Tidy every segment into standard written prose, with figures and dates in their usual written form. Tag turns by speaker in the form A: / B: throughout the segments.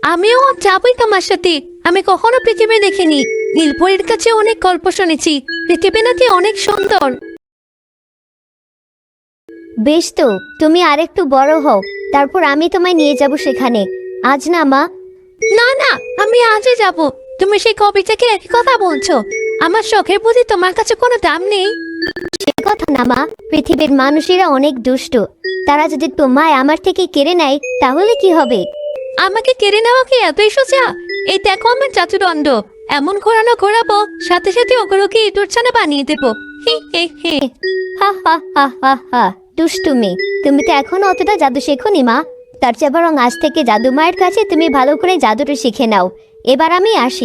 A: আমিও যাবই তোমার সাথে। আমি কখনো পৃথিবী দেখিনি। নীলপরীর কাছে অনেক গল্প শুনেছি, পৃথিবী নাকি অনেক সুন্দর।
B: বেশ তো, তুমি আরেকটু বড় হও, তারপর আমি তোমায় নিয়ে যাব সেখানে। আজ না মা।
A: না না, আমি আজই যাব। তুমি সেই কবে থেকে একই কথা বলছো? আমার শখের প্রতি তোমার কাছে কোনো দাম নেই?
B: সে কথা না মা, পৃথিবীর মানুষেরা অনেক দুষ্ট। তারা যদি তোমায় আমার থেকে কেড়ে নেয় তাহলে কি হবে?
A: আমাকে কেড়ে নেওয়া কি এতই সোজা? এই দেখো আমার চাতুদণ্ড, এমন ঘোরানো ঘোরাবো, সাথে সাথে ওগুলোকে ইঁদুর ছানা বানিয়ে দেবো। হি হে হে।
B: হা হা হা হা হা, দুষ্টুমি। তুমি তো এখনো অতটা জাদু শেখোনি মা। তার চেয়ে বরং আজ থেকে জাদু মায়ের কাছে তুমি ভালো করে জাদুটা শিখে নাও। এবার আমি আসি।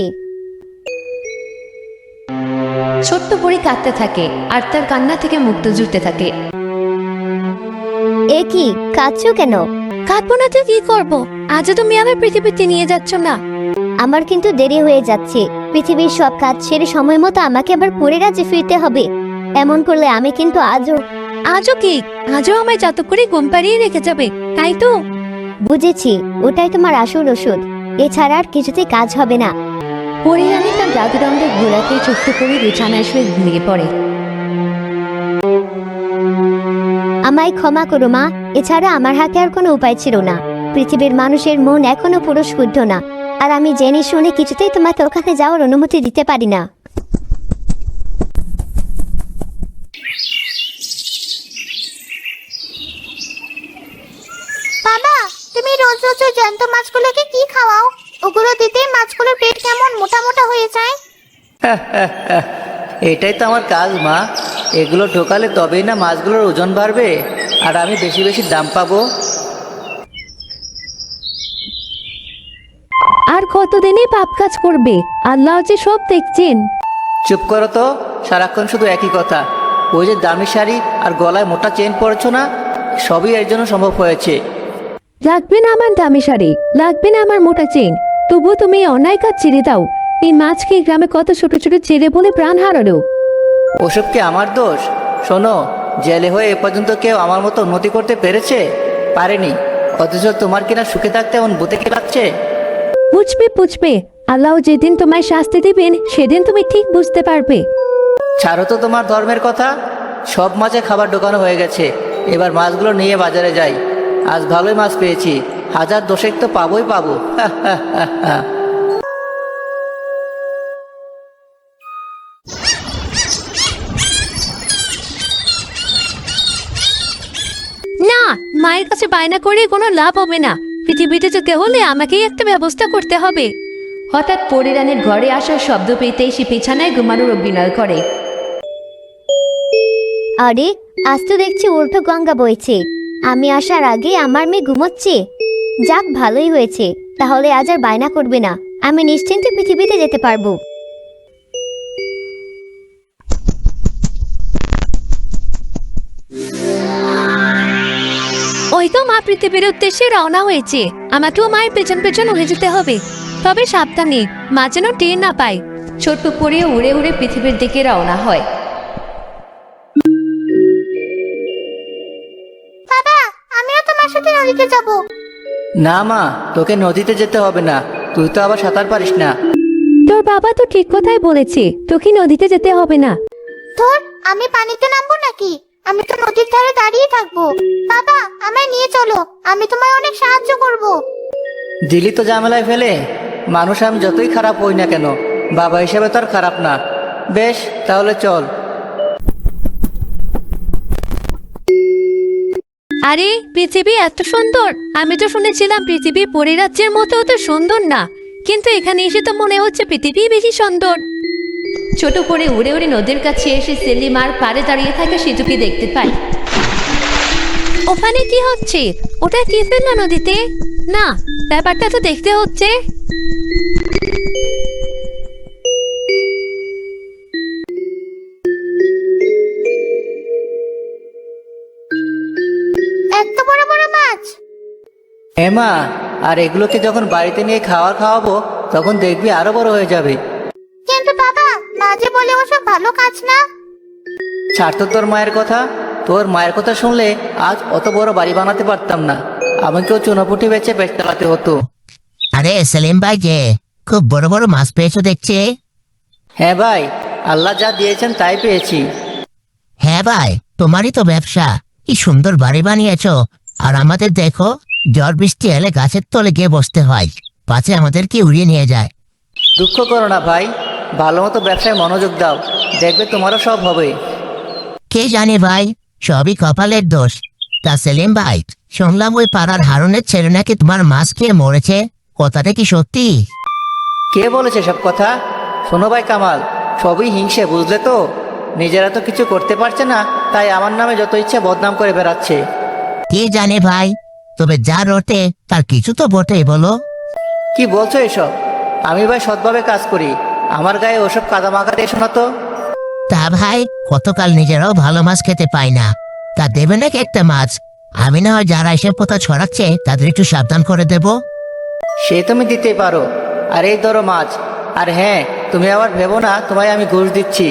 A: ছোট্ট পরী কাঁদতে থাকে আর তার কান্না থেকে মুক্ত জুটতে থাকে।
B: এ কি, কাঁদছো কেন?
A: কাঁদবো না তো কি করবো? আজও তুমি আমার পৃথিবীতে নিয়ে যাচ্ছ না।
B: আমার কিন্তু দেরি হয়ে যাচ্ছে। পৃথিবীর সব কাজ সেরে সময় মতো আমাকে আবার পরে রাজ্যে ফিরতে হবে। এমন করলে আমি কিন্তু
A: আজও কি? আজও আমায় যত করে ঘুম পাড়িয়ে রেখে যাবে, তাই তো?
B: বুঝেছি, ওটাই তোমার আসল ওষুধ। এছাড়া আর কিছুতেই কাজ হবে না।
A: পরিরানী তার জাদুদণ্ডের ঘোড়াতে ছোট্ট করে বিছানায় শুয়ে ঘুমিয়ে পড়ে।
B: আমায় ক্ষমা করো মা, এছাড়া আমার হাতে আর কোনো উপায় ছিল না। পৃথিবীর মানুষের মন এখনো পুরো শুদ্ধ না, আর আমি জেনে শুনে কিছুতেই তোমাকে ওখানে যাওয়ার অনুমতি দিতে পারি না।
C: বাবা, তুমি রোজ রোজ ওই জ্যান্ত মাছগুলোকে কি খাওয়াও? ওগুলো দিতেই মাছগুলোর পেট কেমন মোটা মোটা হয়ে যায়।
D: এটাই তো আমার কাজ মা। এগুলো ঢোকালে তবেই না মাছগুলোর ওজন বাড়বে, আর আমি বেশি বেশি দাম পাবো।
A: আর কতদিনই পাপ কাজ করবে? আল্লাহ যে সব দেখছেন।
D: চুপ করো তো, সারাক্ষণ শুধু একই কথা। ওই যে দামি শাড়ি আর গলায় মোটা চেন পরেছো না, সবই এর জন্য সম্ভব হয়েছে।
A: লাগবে না আমার দামি শাড়ি, লাগবে না আমার মোটা চেন, তবুও তুমি এই অন্যায় কাজ ছেড়ে দাও। এই মাছকে গ্রামে কত ছোট ছোট ছেড়ে বলে প্রাণ হারালো।
D: ওসব কি আমার দোষ? শোনো, জেলে হয়ে এ পর্যন্ত কেউ আমার মতো উন্নতি করতে পেরেছে? পারেনি। অথচ তোমার কিনা সুখে থাকতে এমন বুতে কি লাগছে?
A: বুঝবে বুঝবে, আল্লাহ যেদিন তোমায় শাস্তি দিবেন সেদিন তুমি ঠিক বুঝতে পারবে।
D: ছাড়ো তো তোমার ধর্মের কথা। সব মাছে খাবার ঢোকানো হয়ে গেছে, এবার মাছগুলো নিয়ে বাজারে যাই। আজ ভালোই মাছ পেয়েছি, হাজার দশেক তো পাবোই পাবো।
A: না, মায়ের কাছে বায়না করে কোনো লাভ হবে না। পৃথিবীতে যেতে হলে আমাকেই একটা ব্যবস্থা করতে হবে। হঠাৎ পরিরানের ঘরে আসার শব্দ পেতেই সে বিছানায় ঘুমানোর অভিনয় করে।
B: আরে, আজ তো দেখছি উল্টো গঙ্গা বইছে। আমি আসার আগে আমার মেয়ে ঘুমোচ্ছে। যাক, ভালোই হয়েছে। তাহলে আজ আর বায়না করবে না, আমি নিশ্চিন্তে পৃথিবীতে যেতে পারবো।
A: ওই তো মা পৃথিবীর উদ্দেশ্যে রওনা হয়েছে। আমাকেও মায়ের পেছন পেছন উড়ে যেতে হবে, তবে সাবধানে, মা যেন টের না পায়। ছোট্ট পরে উড়ে উড়ে পৃথিবীর দিকে রওনা হয়।
C: বাবা, আমিও তোমার সাথে নদীতে যাব।
D: না মা, তোকে নদীতে যেতে হবে না। তুই তো আবার সাঁতার পারিস না।
A: তোর বাবা তো ঠিক কথাই বলেছে, তোকে নদীতে যেতে হবে না।
C: ধর, আমি পানিতে নামবো নাকি? আমি তো নদীর ধারে দাঁড়িয়ে থাকবো। বাবা, আমায় নিয়ে চলো, আমি তোমায় অনেক সাহায্য করব।
D: দিলি তো ঝামেলায় ফেলে। মানুষ আমি যতই খারাপ হই না কেন, বাবা হিসেবে তো আর খারাপ না। বেশ, তাহলে চল।
A: আরে, পৃথিবী এত সুন্দর! আমি তো শুনেছিলাম পৃথিবী পরিরাজ্যের মতো অত সুন্দর না, কিন্তু এখানে এসে তো মনে হচ্ছে পৃথিবী বেশি সুন্দর। ছোট করে উড়ে উড়ে নদীর কাছে এসে সেলিমার পাড়ে দাঁড়িয়ে থাকা সিধুকে দেখতে পায়। ওখানে কি হচ্ছে? ওটা কি ফেললো নদীতে? না, ব্যাপারটা তো দেখতে হচ্ছে।
C: এত বড় বড় মাছ!
D: হ্যাঁ মা, আর এগুলোকে যখন বাড়িতে নিয়ে খাওয়াবো তখন দেখবি আরো বড় হয়ে যাবে।
C: কিন্তু বাবা, মা যে বলে ওসব ভালো কাজ না।
D: ছাড় তো তোর মায়ের কথা। তোর মায়ের কথা শুনলে আজ অত বড় বাড়ি বানাতে পারতাম না, আমাকেও চুনোপুটি বেচে পেট চালাতে হতো।
E: আরে সেলিম ভাই যে খুব বড় বড় মাছ পেয়েছো দেখছি।
D: হ্যাঁ ভাই, আল্লাহ যা দিয়েছেন তাই পেয়েছি।
E: হ্যাঁ ভাই, তোমারই তো ব্যবসা। কি সুন্দর বাড়ি বানিয়েছো। আর আমাদের দেখো, ঝড় বৃষ্টি এলে গাছের তলে গিয়ে বসতে হয়, পাছে আমাদেরকে উড়িয়ে নিয়ে যায়।
D: দুঃখ করো না ভাই, ভালো মতো ব্যবসায় মনোযোগ দাও, দেখবে তোমারও সব হবে।
E: কে জানে ভাই, সবই কপালের দোষ। তা সেলিম ভাই, শুনলাম ওই পাড়ার হারুনের ছেলে নাকি তোমার মাছ খেয়ে মরেছে, কথাটা কি সত্যি?
D: কে বলেছে সব কথা? শোনো ভাই কামাল, সবই হিংসে, বুঝলে তো? নিজেরা তো কিছু করতে পারছে না, তাই আমার নামে যত ইচ্ছা বদনাম করে বেড়াচ্ছে।
E: কে জানে ভাই, তবে যা রটে তার কিছু তো বটেই, বলো।
D: কি বলছো এসব? আমি ভাই সৎভাবে কাজ করি, আমার গায়ে ওসব কাদা মাখা দিয়ে শোনা তো।
E: তা ভাই, কতকাল নিজেরাও ভালো মাছ খেতে পাই না, তা দেবে নাকি একটা মাছ? আমি না হয় যারা এসব কথা ছড়াচ্ছে তাদের একটু সাবধান করে দেব।
D: সে তুমি দিতেই পারো, আর এই ধরো মাছ। আর হ্যাঁ, তুমি আবার ভেবো না তোমায় আমি ঘুষ দিচ্ছি।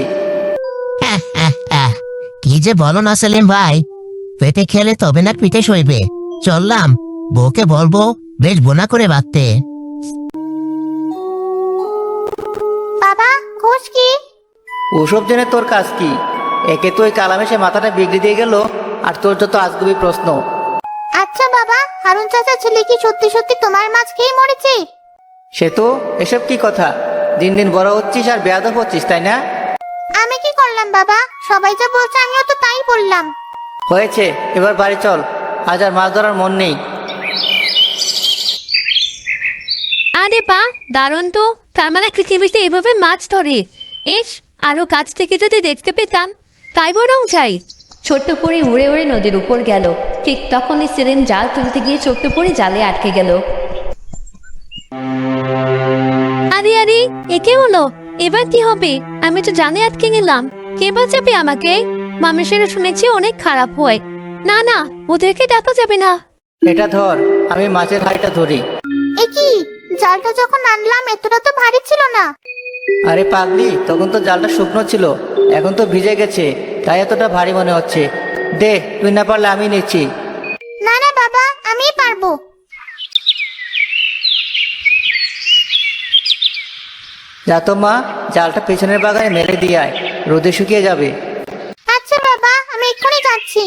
E: কি যে বলো না সেলিম ভাই, পেটে খেলে তবে না পিঠে সইবে। চললাম, বউকে বলবো বেশ বোনা করে বাঁধতে।
C: বাবা, ঘুষ কি?
D: ওসব জেনে তোর কাজ কি? একে তো ওই কালামে সে মাথাটা বিগড়ে দিয়ে গেল, আর তোর যত আজগুবি প্রশ্ন।
C: আচ্ছা বাবা, হারুন চাচার ছেলে কি সত্যি সত্যি তোমার মাছ খেয়ে মরেছে?
D: সে তো এসব কি কথা? দিন দিন বড় হচ্ছিস আর বেয়াদব হচ্ছিস, তাই না?
C: আমি কি করলাম বাবা? সবাই যা বলছে আমিও তো তাই বললাম।
D: হয়েছে, এবার বাড়ি চল, আজ আর মাছ ধরার মন নেই।
A: আরে বা, দারুণ তো। তার মানে পৃথিবীতে এভাবে মাছ ধরে। ইস, আরো কাছ থেকে যদি দেখতে পেতাম, তাই বরং চাই। ছোট্ট পরি উড়ে উড়ে নদীর উপর গেল। ঠিক তখনই সেলিম জাল তুলতে গিয়ে ছোট্ট পরি জালে আটকে গেল। আরে আরে, একে হলো, এবার কি হবে? আমি তো জালে আটকে গেলাম, কে বাঁচাবে আমাকে? মানুষেরা শুনেছি অনেক খারাপ হয়। না না, ওদেরকে ডাকা যাবে না।
D: এটা ধর, আমি মাছের হাড়িটা ধরি।
C: এ কি, জালটা যখন আনলাম এতটা তো ভারী ছিল না।
D: আরে পাগলি, তখন তো জালটা শুকনো ছিল, এখন তো ভিজে গেছে, তাই এতটা ভারী মনে হচ্ছে। দে, তুই না পারলে আমি নিচ্ছি।
C: না না বাবা, আমিই পারবো।
D: যা তো মা, জালটা পেছনের বাগানে মেলে দিয়ে আয়, রোদে শুকিয়ে যাবে।
C: আচ্ছা বাবা, আমি এক্ষুনি যাচ্ছি।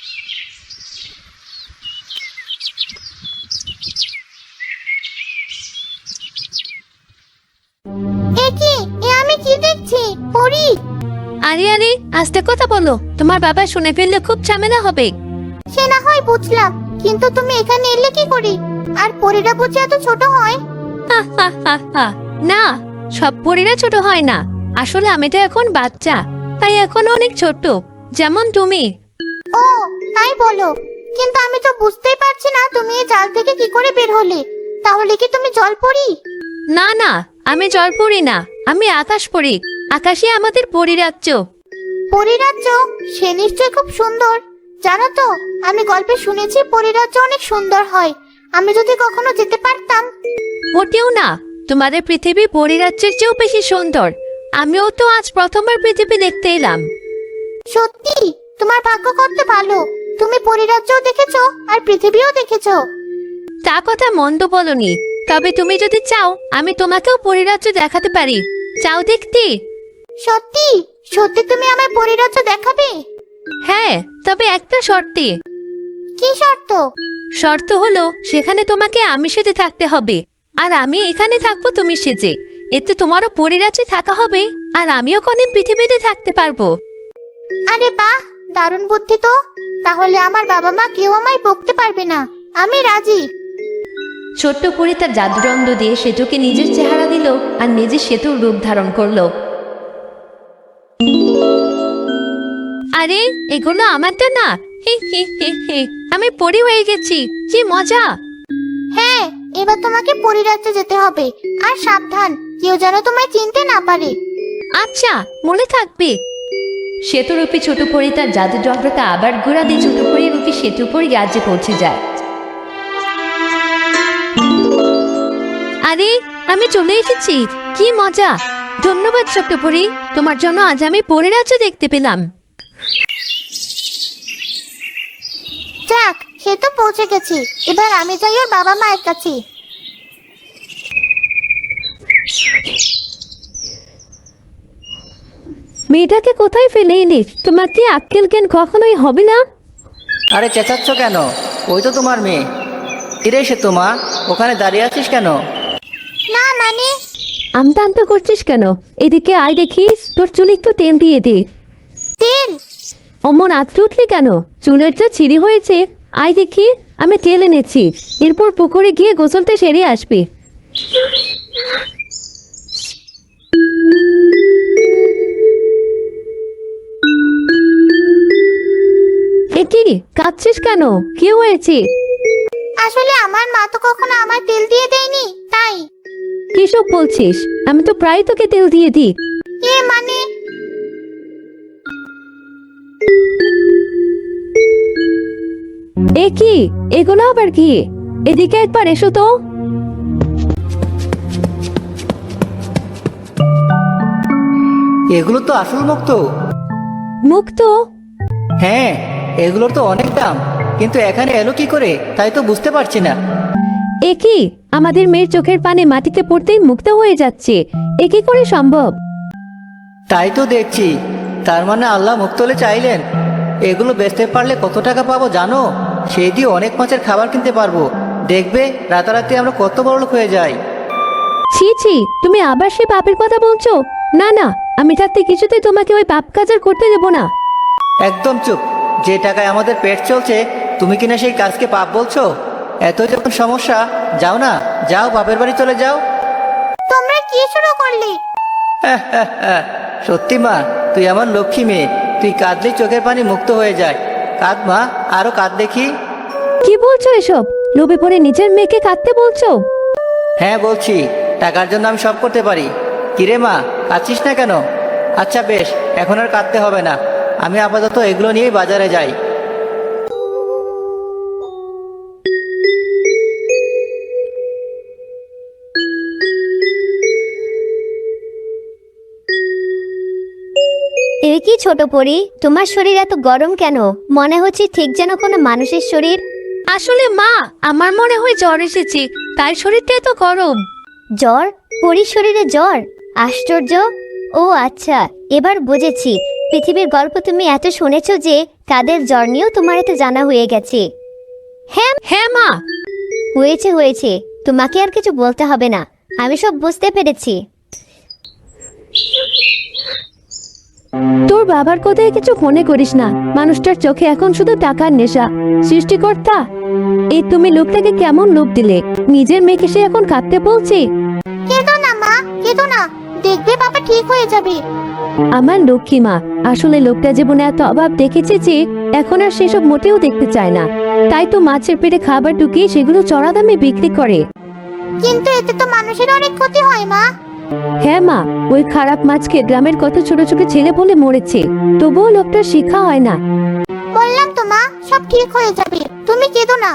C: এ কি, এ আমি কি দেখছি? পরি?
A: আরে আরে, আস্তে কথা বলো, তোমার বাবা শুনে ফেললে খুব ঝামেলা হবে।
C: সে না হয় বুঝলাম, কিন্তু তুমি এখানে এলে কি করে? আর পরিটা বুঝি এত ছোট হয়?
A: হা, হা, হা, হা। না, সব পরীরা ছোট হয় না। আসলে আমি তো এখন বাচ্চা, তাই এখন অনেক ছোট, যেমন তুমি।
C: ও, তাই বলো। কিন্তু আমি তো বুঝতেই পারছি না তুমি এই জাল থেকে কি করে বের হলে। তাহলে কি তুমি জল পরি?
A: না না, আমি জল পড়ি না, আমি আকাশ পড়ি। আকাশে আমাদের পরিরাজ্য।
C: পরিরাজ্য? সে নিশ্চয় খুব সুন্দর। জানো তো, আমি গল্পে শুনেছি পরিরাজ্য অনেক সুন্দর হয়। আমি যদি কখনো যেতে পারতাম।
A: মোটেও না, তোমাদের পৃথিবী পরিরাজ্যের চেয়েও বেশি সুন্দর। আমিও তো আজ প্রথমবার পৃথিবী দেখতে এলাম।
C: সত্যি? তোমার ভাগ্য কত ভালো, তুমি পরিরাজ্যও দেখেছো আর পৃথিবীও দেখেছো।
A: তা কথা মন্দ বলনি, তবে তুমি যদি চাও আমি তোমাকেও পরিরাজ্য দেখাতে পারি। চাও দেখতে?
C: সত্যি? সত্যি তুমি আমায় পরিরাজ্য দেখাবে?
A: হ্যাঁ, তবে একটা শর্তে।
C: কি শর্ত?
A: শর্ত হলো সেখানে তোমাকে আমি সেজে থাকতে হবে, আর আমি এখানে থাকবো তুমি সেজে। এতে তোমারও পরিরাজ্যে থাকা হবে, আর আমিও কোনে পৃথিবীতে থাকতে পারবো।
C: আরে বাহ, দারুণ বুদ্ধি তো। তাহলে আমার বাবা মা কেউ আমায় বকতে পারবে না, আমি রাজি।
A: ছোট্ট পরি তার জাদুদণ্ড দিয়ে সেতুকে নিজের চেহারা দিল, আর নিজের সেতুর রূপ ধারণ করলো। আরে, এগুলো আমারটা না। হে হে হে হে, আমি পরি হয়ে গেছি, কি মজা!
C: হ্যাঁ, এবার তোমাকে পরিরাজ্যে যেতে হবে। আর সাবধান, কেউ যেন তোমায় চিনতে না পারে।
A: আচ্ছা, মনে থাকবে। সেতুরূপী ছোট পরি তার জাদুদণ্ডটা আবার ঘোরা দিয়ে ছোট পরি রূপী সেতু পরি রাজ্যে পৌঁছে যায়। আরে, আমি চলে এসেছি, কি মজা! ধন্যবাদ ছোট্ট পরি, তোমার জন্য আজ আমি পরিরাজ্য দেখতে পেলাম।
C: যাক, সে তো পৌঁছে গেছি। এবার আমি যাই ওর বাবা মায়ের কাছে।
A: মেয়েটাকে কোথায় ফেলে এলি? তোমার কি আক্কেল জ্ঞান কখনোই হবে না?
D: আরে চেঁচাচ্ছ কেন? ওই তো তোমার মেয়ে। ফিরে এসে তোমা, ওখানে দাঁড়িয়ে আছিস কেন?
C: না মানে
A: আমতা আমতা করছিস কেন? এদিকে আয় দেখিস, তোর চুলে একটু তেল দিয়ে দে।
C: তেল?
A: অমন আঁতড়ে উঠলি কেন? চুলের যা ছিঁড়ি হয়েছে। আয় দেখি, আমি তেল এনেছি। এরপর পুকুরে গিয়ে গোসলটা সেরে আসবি। এ কি কাঁদছিস কেন? কি হয়েছে?
C: আসলে আমার মা তো কখনো আমার তেল দিয়ে দেয়নি, তাই।
A: কিসব বলছিস? আমি তো প্রায় তোকে তেল দিয়ে দিই।
C: এ মানে
A: এ কি? এগুলো আবার কি? এদিকে একবার এসো তো।
D: এগুলো তো আসল মুক্ত।
A: মুক্ত?
D: হ্যাঁ, এগুলোর তো অনেক দাম, কিন্তু এখানে এলো কি করে তাই তো বুঝতে পারছি না।
A: এ কি? আমাদের মেয়ের চোখের পানে মাটিতে পড়তেই মুক্ত হয়ে যাচ্ছে। এ কি করে সম্ভব?
D: তাই তো দেখছি। তার মানে আল্লাহ মুক্তলে চাইলেন। এগুলো বেচতে পারলে কত টাকা পাবো জানো? সেই দিয়ে অনেক মাছের খাবার কিনতে পারবো। দেখবে রাতারাতি আমরা কত বড় লোক হয়ে যাই।
A: ছি ছি, তুমি আবার সে পাপের কথা বলছো? না না, আমি থাকতে কিছুতেই তোমাকে ওই পাপ কাজ আর করতে দেবো না।
D: একদম চুপ। যে টাকায় আমাদের পেট চলছে, তুমি কিনা সেই কাজকে পাপ বলছো? এত যখন সমস্যা, যাও না, যাও বাপের বাড়ি চলে যাও।
C: তোমরা কি শুরু করলে?
D: সত্যি মা, তুই আমার লক্ষ্মী মেয়ে। তুই কাঁদলেই চোখের পানি মুক্ত হয়ে যায়। কাঁদ মা, আরো কাঁদ দেখি।
A: কি বলছো এসব? লোভে পড়ে নিজের মেয়েকে কাঁদতে বলছো?
D: হ্যাঁ বলছি, টাকার জন্য আমি সব করতে পারি। কিরে মা, কাঁদছিস না কেন? আচ্ছা বেশ, এখন আর কাঁদতে হবে না। আমি আপাতত এগুলো নিয়েই বাজারে যাই।
B: এ কি ছোট পরি, তোমার শরীর এত গরম কেন? মনে হচ্ছে ঠিক যেন কোনো মানুষের শরীর।
A: আসলে মা, আমার মনে হয় জ্বর এসেছে, তাই শরীরটা এত গরম।
B: জ্বর? পরির শরীরে জ্বর? আশ্চর্য। ও আচ্ছা, এবার বুঝেছি। পৃথিবীর গল্প তুমি এত শুনেছো যে তাদের জ্বর নিয়েও তোমার এত জানা হয়ে গেছে।
A: হ্যাঁ মা।
B: হয়েছে হয়েছে, তোমাকে আর কিছু বলতে হবে না, আমি সব বুঝতে পেরেছি।
A: তোর বাবার কথায় কিছু মনে করিস না। মানুষটার চোখে এখন শুধু টাকার নেশা। সৃষ্টিকর্তা, এই তুমি লোকটাকে কেমন লোভ দিলে? নিজের মেয়েকে সে এখন কাঁদতে বলছে।
C: কেঁদো না মা, কেঁদো না। দেখবে বাবা ঠিক হয়ে যাবে।
A: আমার লক্ষ্মী মা, আসলে লোকটা জীবনে এত অভাব দেখেছে যে এখন আর সেসব মোটেও দেখতে চায় না। তাই তো মাছের পেটে খাবার ঢুকিয়ে সেগুলো চড়া দামে বিক্রি করে।
C: কিন্তু এতে তো মানুষের অনেক ক্ষতি হয় মা।
A: হ্যাঁ মা, ওই খারাপ মাছকে গ্রামের কত ছোট ছোট ছেলে বলে মরেছে, তবুও লোকটার শিক্ষা হয় না।
C: বললাম তো মা, সব ঠিক হয়ে যাবে, তুমি কেঁদো না।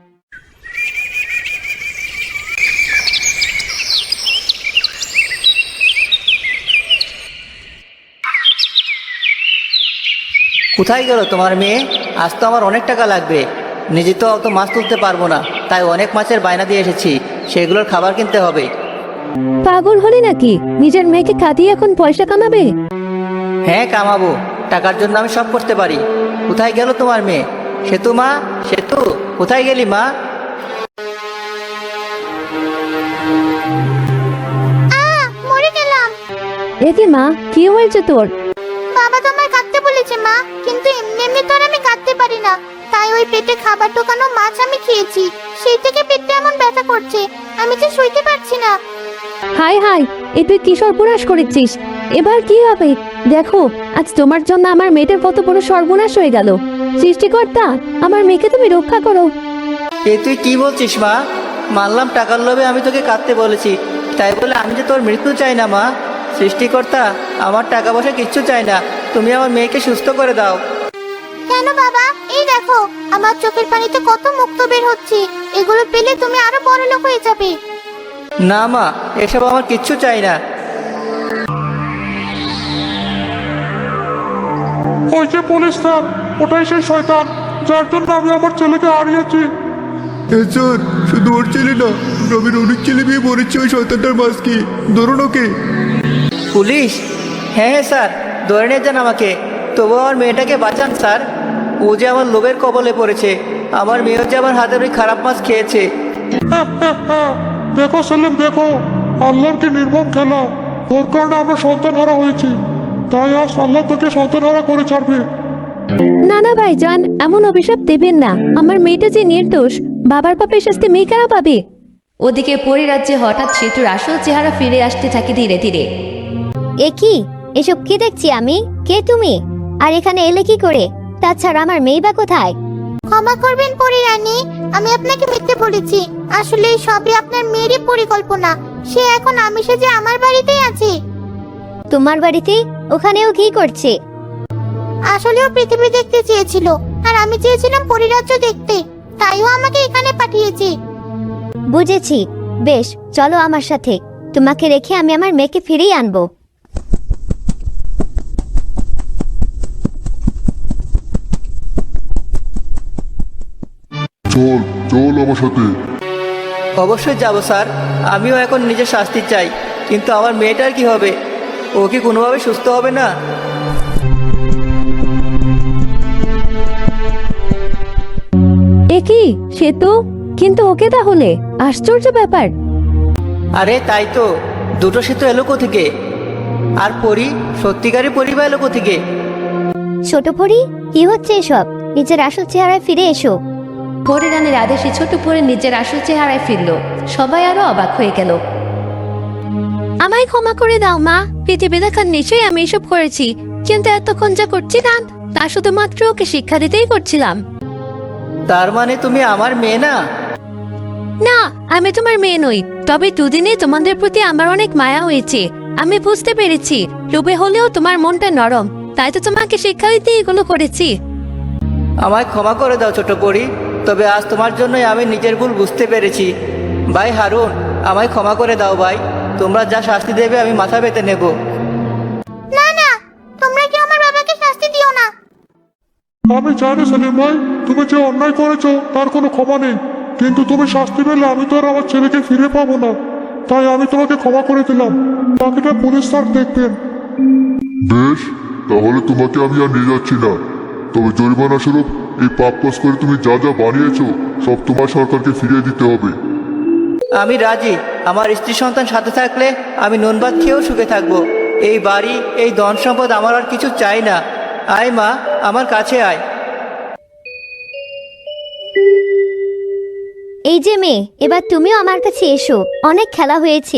D: কোথায় গেল তোমার মেয়ে? আজ তো আমার অনেক টাকা লাগবে। নিজে তো অত মাছ তুলতে পারবো না, তাই অনেক মাছের বায়না দিয়ে এসেছি। সেগুলোর খাবার কিনতে হবে।
A: পাগল হলে নাকি? নিজের মেয়েকে কাঁদিয়ে এখন পয়সা কামাবে?
D: হ্যাঁ কামাবো, টাকার জন্য আমি সব করতে পারি। কোথায় গেল তোমার মেয়ে? সেতু মা, সেতু, কোথায় গেলি মা?
C: মরে গেলাম।
A: এ কি মা, কি হয়েছে তোর?
C: বাবা তোমায় কাঁদতে বলেছে মা, কিন্তু এমনি এমনি তো আর আমি কাঁদতে পারি না। তাই ওই পেটে খাবার ঢোকানো মাছ আমি খেয়েছি, সেই থেকে পেটটা এমন ব্যথা করছে, আমি যে শুইতে পারছি না।
A: হাই হাই, এ তুই কি সর্বনাশ করেছিস? এবার কি হবে? দেখো, আজ তোমার জন্য আমার মেয়েটার কত বড় সর্বনাশ হয়ে গেল। সৃষ্টিকর্তা, আমার মেয়েকে তুমি রক্ষা করো।
D: এ তুই কি বলছিস মা? মানলাম টাকার লোভে আমি তোকে কাঁদতে বলেছি, তাই বলে আমি যে তোর মৃত্যু চাই না মা। সৃষ্টিকর্তা, আমার টাকা পয়সা কিচ্ছু চাই না, তুমি আমার মেয়েকে সুস্থ করে দাও।
C: কেন বাবা? এই দেখো, আমার চোখের পানিতে কত মুক্ত বের হচ্ছে, এগুলো পেলে তুমি আরো বড় লোক হয়ে যাবে।
D: না মা, এসব আমার কিচ্ছু চাই না।
F: ওই যে পুলিশ স্যার, ওটাই সেই শয়তান যার জন্য আমি আমার ছেলেকে হারিয়েছি।
G: স্যার, শুধু ওর ছেলে না, গ্রামের অনেক ছেলে মেয়ে মরেছে ওই শয়তানটার মাছ কি। ধরুন ওকে।
D: পুলিশ? হ্যাঁ হ্যাঁ স্যার, ধরে নিয়ে যান আমাকে, তবু আমার মেয়েটাকে বাঁচান স্যার। ও যে আমার লোভের কবলে পড়েছে, আমার মেয়ে যে আমার হাতের ওই খারাপ মাছ খেয়েছে।
F: দেখো সেলিম, দেখো আল্লাহর কি নির্মম খেলা। তোর কারণে আমরা সন্তান হারা হয়েছি, তাই আজ আল্লাহ তোকে সন্তান হারা করে ছাড়বে।
A: না না ভাইজান, এমন অভিশাপ দেবেন না। আমার মেয়েটা যে নির্দোষ, বাবার পাপের শাস্তি মেয়ে কেন পাবে? ওদিকে পরিরাজ্যে হঠাৎ সেতুর আসল চেহারা ফিরে আসতে থাকে ধীরে ধীরে।
B: এ কি? এসব কি দেখছি আমি? কে তুমি? আর এখানে এলে কি করে? তাছাড়া আমার মেয়ে বা কোথায়?
C: ক্ষমা করবেন পরি রানী, আমি আপনাকে মিথ্যে বলেছি। আসলে এই সবই আপনার মেয়েরই পরিকল্পনা। সে এখন আমি সেজে আমার বাড়িতেই আছে।
B: তোমার বাড়িতে? ওখানেও কি করছে?
C: আসলেও পৃথিবী দেখতে চেয়েছিল, আর আমি চেয়েছিলাম পরিরাজ্য দেখতে, তাইও আমাকে এখানে পাঠিয়েছে।
B: বুঝেছি। বেশ, চলো আমার সাথে। তোমাকে রেখে আমি আমার মেয়েকে ফিরিয়ে আনবো।
G: চল চল আমার সাথে।
D: অবশ্যই যাব স্যার, আমিও এখন নিজের শাস্তি চাই। কিন্তু আমার মেয়েটার কি হবে? ও কি কোনোভাবে সুস্থ হবে না?
A: এ কি সেতু? কিন্তু ওকে তাহলে? আশ্চর্য ব্যাপার।
D: আরে তাই তো, দুটো সেতু এলো কোথেকে? আর পরি, সত্যিকারই পরিবার এলো কোথেকে?
B: ছোট পরি, কি হচ্ছে এসব? নিজের আসল চেহারায় ফিরে এসো।
A: পরিরানের আদেশে ছোট পরে নিজের আসল চেহারায় ফিরল। সবাই আরো অবাক হয়ে গেল। আমায় ক্ষমা করে দাও মা, পৃথিবী দেখার নিশ্চয়ই আমি এসব করেছি, কিন্তু এতক্ষণ যা করছি না তা শুধুমাত্র ওকে শিক্ষা দিতেই করছিলাম।
D: তার মানে তুমি আমার মেয়ে না?
A: না, আমি তোমার মেয়ে নই, তবে দুদিনে তোমাদের প্রতি আমার অনেক মায়া হয়েছে। আমি বুঝতে পেরেছি লোভে হলেও তোমার মনটা নরম, তাই তো তোমাকে শিক্ষা দিতে এগুলো করেছি।
D: আমায় ক্ষমা করে দাও ছোট পরি, তবে আজ তোমার জন্যই আমি নিজের ভুল বুঝতে পেরেছি। ভাই হারুন, আমায় ক্ষমা করে দাও ভাই। তোমরা যা শাস্তি দেবে আমি মাথা পেতে নেব।
C: না না, তোমরা কি আমার বাবাকে শাস্তি দিও না।
F: আমি জানি সেলিম ভাই, তুমি যে অন্যায় করেছো তার কোনো ক্ষমা নেই, কিন্তু তুমি শাস্তি পেলে আমি তো আর আমার ছেলেকে ফিরে পাবো না। তাই আমি তোমাকে ক্ষমা করে দিলাম, বাকিটা পুলিশ স্যার দেখবেন।
G: বেশ, তাহলে তোমাকে আমি আর নিয়ে যাচ্ছি না। তবে জরিমানা স্বরূপ এই পাপ কাজ করে তুমি যা যা বানিয়েছো সব তোমার সরকারকে ফিরিয়ে দিতে হবে।
D: আমি রাজি। আমার স্ত্রী সন্তান সাথে থাকলে আমি নুন ভাত খেয়েও সুখে থাকবো। এই বাড়ি, এই ধন সম্পদ আমার আর কিছু চাই না। আয় মা, আমার কাছে আয়।
B: এই যে মেয়ে, এবার তুমিও আমার কাছে এসো। অনেক খেলা হয়েছে।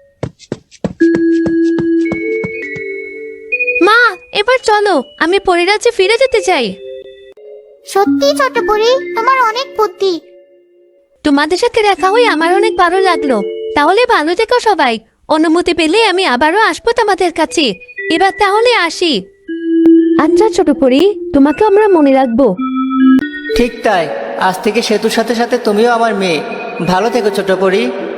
A: মা, এবার চলো, আমি পরিরাজ্যে ফিরে যেতে চাই।
C: সত্যি ছোট পরি, তোমার অনেক বুদ্ধি।
A: তোমাদের সাথে দেখা হয়ে আমার অনেক ভালো লাগলো। তাহলে ভালো থেকো সবাই। অনুমতি পেলে আমি আবারও আসবো তোমাদের কাছে। এবার তাহলে আসি। আচ্ছা ছোট পরি, তোমাকে আমরা মনে রাখবো।
D: ঠিক তাই, আজ থেকে সেতুর সাথে সাথে তুমিও আমার মেয়ে। ভালো থেকো ছোট পরি।